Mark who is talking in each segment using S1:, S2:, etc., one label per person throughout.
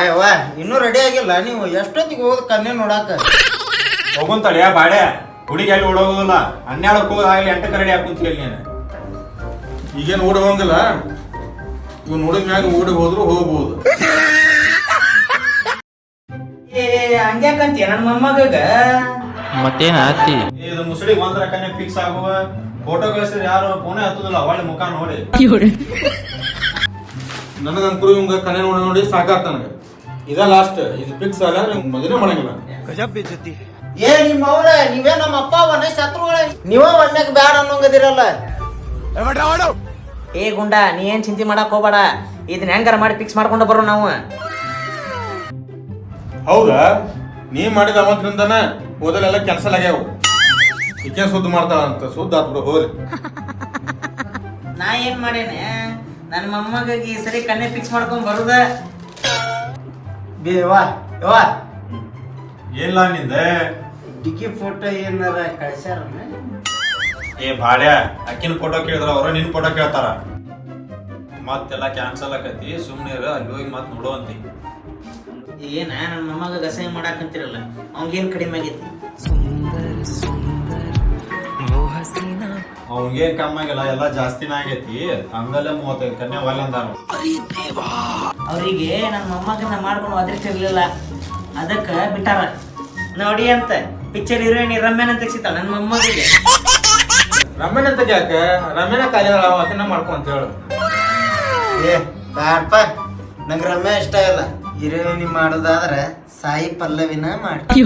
S1: ಯವ್ವ ಇನ್ನೂ ರೆಡಿ ಆಗಿಲ್ಲ ನೀವು ಎಷ್ಟೊತ್ತಿಗೆ ಹೋಗೋದು ಕನ್ಯೆ ನೋಡಾಕ
S2: ಹೋಗುನ್ ತಡಿಯ ಬಾಡೆ ಹುಡುಗಿ ಎಲ್ಲಿ ಓಡೋಗೋದಿಲ್ಲ 12ಕ್ಕೆ ಹೋದಾಗಲಿ 8ಕ್ಕೆ ರೆಡಿ ಹಾಕುಂತೀವಿ ನೀನು
S3: ಈಗೇನು ಓಡಿ ಹೋಗಂಗಿಲ್ಲ ಇವ್ ನೋಡಿದ ಮ್ಯಾಗ ಓಡಿ ಹೋದ್ರು ಹೋಗ್ಬೋದು.
S1: ಹಂಗ್ಯಾಕಂತೀಯ ನನ್ನ ಮೊಮ್ಮಗ
S4: ಮತ್ತೇನ ಆತಿ
S2: ಇದು ಮುಸುಳಿಗೆ ಒಂದರ ಕನ್ಯೆ ಫಿಕ್ಸ್ ಆಗುವ ಫೋಟೋ ಕಳಿಸಿದ್ರೆ ಯಾರು ಫೋನೇ ಹತ್ತುದಿಲ್ಲ ಒಳ್ಳೆ ಮುಖ ನೋಡಿ
S3: ನನಗಂತೂ ಇವಂಗ ಕನ್ಯೆ ನೋಡಿ ನೋಡಿ ಸಾಕಾತ ನನಗೆ. ಇದ ಲಾಸ್ಟ್ ಇದು ಫಿಕ್ಸ್ ಅಲ್ಲ ನೀವು ಮದುವೆ ಮಾಡಂಗಿಲ್ಲ.
S1: ಏ ನಿಮ್ಮ ಅವ್ರ ನೀವೇ ನಮ್ಮ ಅಪ್ಪ ಅವನ ಶತ್ರುಗಳ ನೀವ ಒಣ್ಣಕ್ ಬ್ಯಾಡ ಅನ್ನೋಂಗದಿರಲ್ಲ.
S5: ಏ ಗುಂಡ ನೀ ಏನ್ ಚಿಂತೆ ಮಾಡಕ್ ಹೋಗ್ಬೇಡ, ಇದನ್ನ ಹೆಂಗಾರ ಮಾಡಿ ಫಿಕ್ಸ್ ಮಾಡ್ಕೊಂಡು ಬರೋ ನಾವು.
S3: ಹೌದಾ ನೀ ಮಾಡಿದ ಅವತ್ತಿನಿಂದನ ಓದಲೆಲ್ಲ ಕ್ಯಾನ್ಸಲ್ ಆಗ್ಯಾವ. ಈಕೆ ಸುದ್ದಿ ಮಾಡ್ತಾಳ ಅಂತ ಸುದ್ದಿ ಆತ್ಬಿಡು ಹೋಗ್ರಿ.
S5: ನಾ ಏನ್ ಮಾಡೇನೆ ನನ್ನ ಮೊಮ್ಮಗ ಈ ಸರಿ ಕನ್ನೆ ಫಿಕ್ಸ್ ಮಾಡ್ಕೊಂಡ್ ಬರುದ.
S1: ಬೇವಾ ಯವ್ವ
S2: ಏನಿಲ್ಲ ನಿಂದೆ
S1: ಡಿಕ್ಕಿ ಫೋಟೋ ಏನಾರ ಕಳ್ಸ್ಯಾರ
S2: ಏ ಬಾಡ್ಯ ಅಕ್ಕಿನ ಫೋಟೋ ಕೇಳಿದ್ರ ಅವ್ರ ನಿನ್ ಫೋಟೋ ಕೇಳ್ತಾರ ಮತ್ತೆಲ್ಲ ಕ್ಯಾನ್ಸಲ್ ಆಕತಿ ಸುಮ್ನೆ ಅಲ್ಲಿ ಹೋಗಿ ಮತ್ ನೋಡುವಂತಿ.
S5: ಏನ ನನ್ನ ಮೊಮ್ಮಗ ಗಸೆ ಮಾಡಾಕಂತಿರಲ್ಲ ಅವಂಗೇನ್ ಕಡಿಮೆ ಆಗೈತಿ?
S2: ಅವಂಗೇನ್ ಕಮ್ಮಿ ಆಗಿಲ್ಲ ಎಲ್ಲ ಜಾಸ್ತಿನ ಆಗೈತಿ. ಹಂಗಲ್ಲೇ 35 ಕನ್ಯಾ ಒಲ್ಲ ಅಂದಾರ.
S5: ಅವ್ರಿಗೆ ನನ್ನ ಮೊಮ್ಮಗನ ಮಾಡ್ಕೊಂಡು ಒದರಿಸಿರ್ಲಿಲ್ಲ, ಅದಕ್ಕ ಬಿಟ್ಟಾರ. ನೋಡಿ ಅಂತ ಪಿಕ್ಚರ್ ಹೀರೋಯಿನ್ ರಮ್ಯಾನ್ ಅಂತ ಸಿಗ್ತಾಳ ನನ್ನ ಮೊಮ್ಮಗಿಗೆ.
S3: ರಮ್ಯನ ಅಂತ ಯಾಕ ರಮ್ಯನ ಕಾಲಿ ಅದನ್ನ ಮಾಡ್ಕೊ ಅಂತ ಹೇಳು.
S1: ಏ ಬ್ಯಾಡಪ್ಪ ನಂಗೆ ರಮ್ಯಾ ಇಷ್ಟ ಇಲ್ಲ. ಹೀರೋಯಿನಿ ಮಾಡೋದಾದ್ರೆ ಸಾಯಿ ಪಲ್ಲವಿನ ಮಾಡಿ.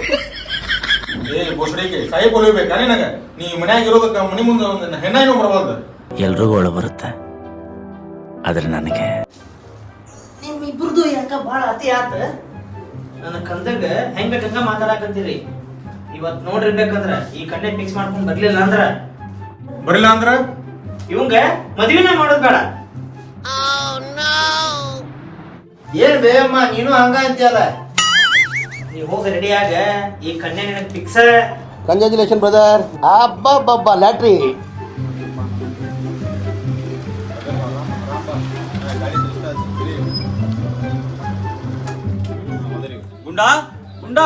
S3: ಏ ಬೋಸಡಿಗೆ ಸಾಯಿ ಕೊಲಿಬೇಕಾ ನಿನಗ? ನೀ ಮನ್ಯಾಗ ಇರೋದಕ್ಕ ಮನಿ ಮುಂದೆ ಒಂದು ಹೆಣ್ಣಾಯಿನೂ ಬರಬಾರ್ದು.
S4: ಎಲ್ರಿಗೂ ಒಳ ಬರುತ್ತೆ ಆದ್ರೆ ನನಗೆ
S5: ನಿಮ್ಮಿಬ್ರದು ಯಾಕ ಬಾಳ ಅತಿ ಆತ. ನನ್ನ ಕಂದಾಗ ಹೆಂಗ್ ಬೇಕಂಗ ಮಾತಾಡಕಂತೀರಿ. ಇವತ್ ನೋಡಿರ್ಬೇಕಂದ್ರ ಈ ಕನ್ನೆ ಫಿಕ್ಸ್ ಮಾಡ್ಕೊಂಡ್ ಬರ್ಲಿಲ್ಲ ಅಂದ್ರ
S3: ಬರಿಲ್ಲ ಅಂದ್ರ
S5: ಇವಂಗ ಮದ್ವಿನ ಮಾಡೋದ್ ಬೇಡ.
S1: ಏನ್ ಬೇಯಮ್ಮ ನೀನು ಹಂಗ ಅಂತೀಯಲ್ಲ.
S5: ನೀ ಹೋಗಿ ರೆಡಿ ಆಗ, ಈ ಕನ್ಯೆ ನಿನಗ್ ಫಿಕ್ಸ್.
S1: Congratulation brother. ಅಬ್ಬಬ್ಬಬ್ಬ ಲ್ಯಾಟ್ರಿ.
S2: ಗುಂಡಾ ಗುಂಡಾ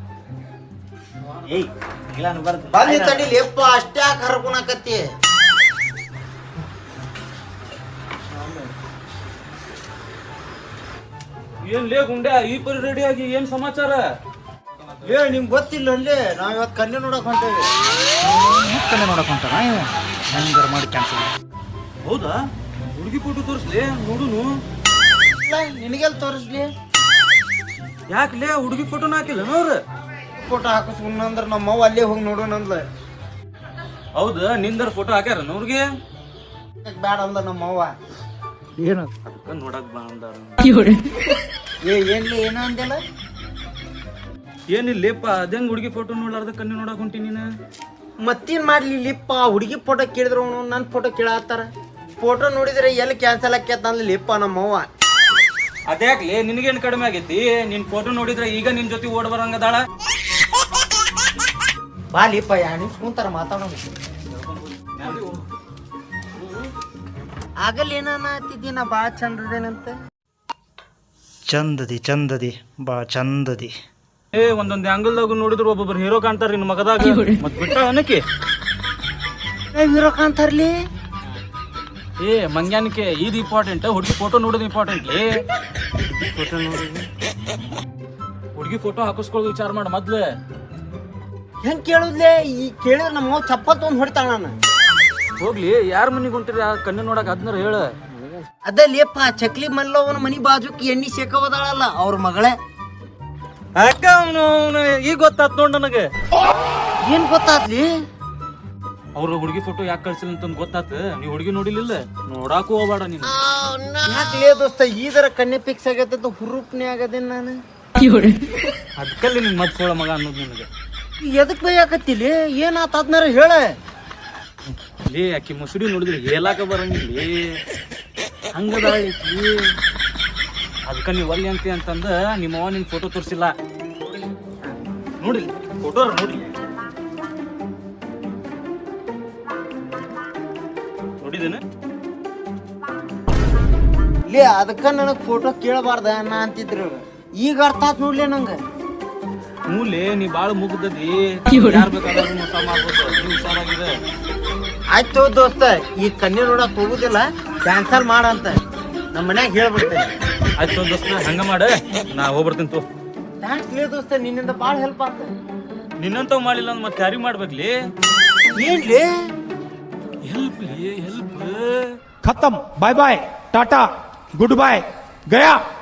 S5: ಏಯ್ ಇಲ್ಲ ಬರ್ದು
S1: ಬಂದಿ ತಡಿಲಿ ಯಪ್ಪ ಅಷ್ಟೇ ಕರ್ಕೊಳಕತ್ತಿ.
S6: ಏನ್ ಲೇ ಗುಂಡ್ಯಾ ಈ ಪರಿ ರೆಡಿ ಆಗಿ ಏನ್ ಸಮಾಚಾರ?
S1: ಏ ನಿಮ್ಗೆ ಗೊತ್ತಿಲ್ಲ ಅಲ್ಲೇ ನಾವ್ ಇವತ್ತು ಕನ್ಯೆ ನೋಡಕ್ ಹೊಂಟೇವಿ.
S4: ಕನ್ನೆ ನೋಡಕ್ ಹೊಂಟಾನ ಹೆಂಗಾರ ಮಾಡಿ ಕ್ಯಾನ್ಸಲ್.
S6: ಹೌದಾ? ಹುಡುಗಿ ಫೋಟೋ ತೋರಿಸ್ಲಿ ನೋಡುನು.
S1: ನಿನಗೆಲ್ ತೋರಿಸ್ಲಿ?
S6: ಯಾಕ್ಲೇ ಹುಡುಗಿ ಫೋಟೋನ ಹಾಕಿಲ್ಲ ಅವ್ರ?
S1: ಫೋಟೋ ಹಾಕಿಸ್ಕೊಂಡ್ರ ನಮ್ಮವ್ವ ಅಲ್ಲೇ ಹೋಗಿ ನೋಡೋಣ ಅಂದ್ಲ.
S6: ಹೌದಾ ನಿಂದರ ಫೋಟೋ ಹಾಕ್ಯಾರ ಅವ್ರಿಗೆ?
S1: ಬ್ಯಾಡ ಅಂದ ನಮ್ಮವ್ವ.
S4: ಏನು
S6: ಅದಕ್ಕ ನೋಡಕ್ ಬಾ ಅಂದಾರ.
S1: ಏ ಏನ್ಲಿ ಏನೋ ಅಂದಿಲ್ಲ.
S6: ಏನಿಲ್ಲೇಪ ಅದಂಗ್ ಹುಡುಗಿ ಫೋಟೋ ನೋಡ್ಲಾರ್ದ ಕಣ್ಣು ನೋಡಕ್ ಹೊಂಟಿ ನೀನು?
S1: ಮತ್ತೇನ್ ಮಾಡ್ಲಿ ಲಿಪ್ಪ ಹುಡುಗಿ ಫೋಟೋ ಕೇಳಿದ್ರು ನನ್ನ ಫೋಟೋ ಕೇಳತ್ತಾರ. ಫೋಟೋ ನೋಡಿದ್ರೆ ಎಲ್ಲಿ ಕ್ಯಾನ್ಸಲ್ ಆಕ್ಯತ ಅಂದ್ಲಿ ಲಿಪ್ಪ ನಮ್ಮವ್ವ.
S6: ಅದ್ಯಾಕ್ಲಿ ನಿನಗೇನ್ ಕಡಿಮೆ ಆಗೈತಿ? ನಿನ್ ಫೋಟೋ ನೋಡಿದ್ರೆ ಈಗ ನಿನ್ ಜೊತೆ ಓಡ್ ಬರಂಗದಾಳ.
S1: ಬಾ ಲಿಪ್ಪ ಯಾಣಿ ಕುಂತಾರ ಮಾತಾಡೋಣ. ಆಗಲ್ಲ ಏನಾತಿದ್ದಿ ನಾ ಭಾಳ ಚಂದದೇನಂತ.
S4: ಚಂದದಿ ಬಾ ಚಂದದಿ.
S6: ಏ ಒಂದೊಂದ್ ಆಂಗಲ್ದಾಗ ನೋಡಿದ್ರು ಒಬ್ಬೊಬ್ರು ಹೀರೋ ಕಾಣ್ತಾರ ನಿನ್ ಮಗದಾಗ. ಮತ್ ಬಿಟ್ಟ ಏನಕ್ಕೆ
S1: ಹೀರೋ ಕಾಣ್ತಾರ್ಲಿ?
S6: ಏ ಮಂಗ್ಯಾನಕ್ಕೆ ಇದು ಇಂಪಾರ್ಟೆಂಟ್, ಹುಡುಗಿ ಫೋಟೋ ನೋಡೋದು ಇಂಪಾರ್ಟೆಂಟ್.
S1: ಫೋಟೋ ನೋಡಿದ್ವಿ
S6: ಹುಡುಗಿ ಫೋಟೋ ಹಾಕಿಸ್ಕೊಳ್ಳೋದು ವಿಚಾರ ಮಾಡ ಮೊದ್ಲು.
S1: ಹೆಂಗ್ ಕೇಳುದ್ಲೆ? ಈ ಕೇಳಿದ್ರೆ ನಮ್ಮ ಚಪ್ಪಲ್ ತೊಗೊಂಡ್ ಹೊಡಿತಾಳ ನಾನು.
S6: ಹೋಗ್ಲಿ ಯಾರ ಮನಿಗೆ ಹೊಂಟಿರಿ ಆ ಕಣ್ಣು ನೋಡಕ್ ಅದ್ನಾರ ಹೇಳ.
S1: ಅದೇ ಲೇಪ ಚಕ್ಲಿ ಮಲ್ಲವನ ಮನಿ ಬಾಜುಕ್ ಎಣ್ಣಿ ಸೇಕವದಾಳಲ್ಲ ಅವ್ರ ಮಗಳೇ.
S6: ಅಕ್ಕ ಅವನು ಈಗ ಗೊತ್ತಾತ್ ನೋಡ್ ನನಗೆ.
S1: ಏನ್ ಗೊತ್ತಾದ್ಲಿ?
S6: ಅವ್ರ ಹುಡುಗಿ ಫೋಟೋ ಯಾಕೆ ಕಳ್ಸಿಲ್ಲ ಅಂತ ಗೊತ್ತಾತ. ನೀವ್ ಹುಡುಗಿ ನೋಡಿಲಿಲ್ಲ, ನೋಡಾಕು ಹೋಗ್ಬೇಡ ನೀನು.
S1: ಯಾಕ್ಲೇ ದೋಸ್ತ ಈದರ ಕನ್ಯೆ ಫಿಕ್ಸ್ ಆಗತ್ತ ಹುರುಪ್ನೇ ಆಗದೇನ್ ನಾನು.
S6: ಅದಕ್ಕಲ್ಲಿ ನಿನ್ ಮತ್ ಸೋಳ ಮಗ ಅನ್ನೋದು ನಿನಗೆ.
S1: ಎದಕ್ ಬೈಯಾಕತ್ತಿಲಿ? ಏನಾತ ಅದ್ನಾರ ಹೇಳ.
S6: ಲೇ ಆಕಿ ಮುಸುಡಿ ನೋಡಿದ್ರೆ ಹೇಳಾಕ ಬರಂಗಿಲ್ಲ. ಹಂಗದಾಳಿ ಅದಕ್ಕ ನೀವ್ ಒಲ್ಲೆ ಅಂತಂದ ನಿಮ್ಮವ್ವ ನಿನ್ ಫೋಟೋ ತೋರಿಸಿಲ್ಲ. ನೋಡಿ ಫೋಟೋ ನೋಡಿ ನೋಡಿದೇನ?
S1: ಲೇ ಅದಕ್ಕ ನನಗ್ ಫೋಟೋ ಕೇಳಬಾರ್ದ ನಾ ಅಂತಿದ್ರು ಈಗ ಅರ್ಥ ಆತ್ ನೋಡ್ಲಿ ನಂಗ.
S6: ಮೂಲೆ ನೀ ಬಾಳ ಮುಗ್ದದಿ ಯಾರ್ ಬೇಕಾದ್ರೂ ಮೋಸ ಮಾಡ್ಬೋದು ನೀ ಹುಷಾರಾಗಿದೆ.
S1: ಆಯ್ತು ದೋಸ್ತ ಈ ಕನ್ಯೆ ನೋಡಕ್ ಹೋಗುದಿಲ್ಲ, ಕ್ಯಾನ್ಸಲ್ ಮಾಡಂತ ನಮ್ಮ ಮನ್ಯಾಗ ಹೇಳ್ಬಿಡ್ತೇನೆ.
S6: ಆಯ್ತು ದೋಸ್ತ ಹಂಗ ಮಾಡ, ನಾ ಹೋಗ್ಬರ್ತೀನಿ ತೋ.
S1: ಥ್ಯಾಂಕ್ಸ್ ಲೇ ದೋಸ್ತ, ನಿನ್ನಿಂದ ಬಾಳ ಹೆಲ್ಪ್ ಆತ.
S6: ನಿನ್ನಂತವ್ ಮಾಡಿಲ್ಲ ಅಂದ್ ಮತ್ತೆ ಯಾರಿಗ್ ಮಾಡ್ಬೇಕ್ಲಿ?
S1: ಏನ್ಲೇ
S6: ಹೆಲ್ಪ್ ಹೆಲ್ಪ್.
S7: खत्म, bye bye, tata, goodbye, गया.